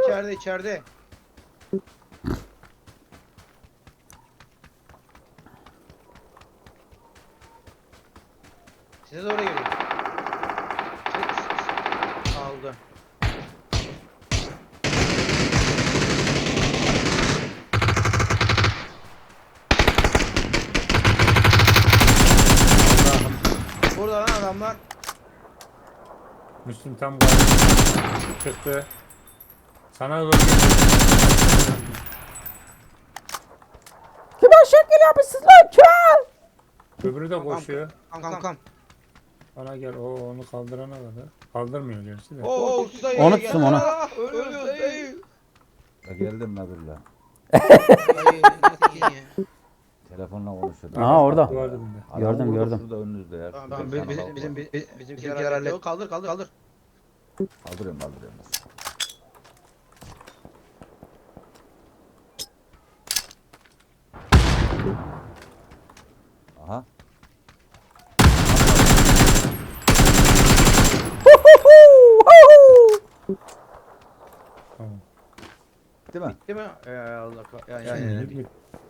içeride. Size doğru geliyor. Aldı. Burada lan adamlar. Müslüm tam galiba çıktı. Sana doğru Kim şekil yapmışsınız lan kim? öbürü de koşuyor. Kankam. Bana gel. O onu kaldırana kadar. Kaldırmıyor gerçi de. Oo, Onu tuttum, onu. Ölüyoruz dayı. Geldim Nadir'le. Dayı, nasıl iyi? Telefonla konuşuyordum. Aha orada. Duvar dibinde. Adam Gördüm, burada, gördüm. Şurada önünüzde ya. Tamam, Şurada tamam, sana bak. bizimkiler hallet. Kaldır. Kaldırıyorum. Aha. Tamam. Değil mi? Değil mi? Allah Şimdi bir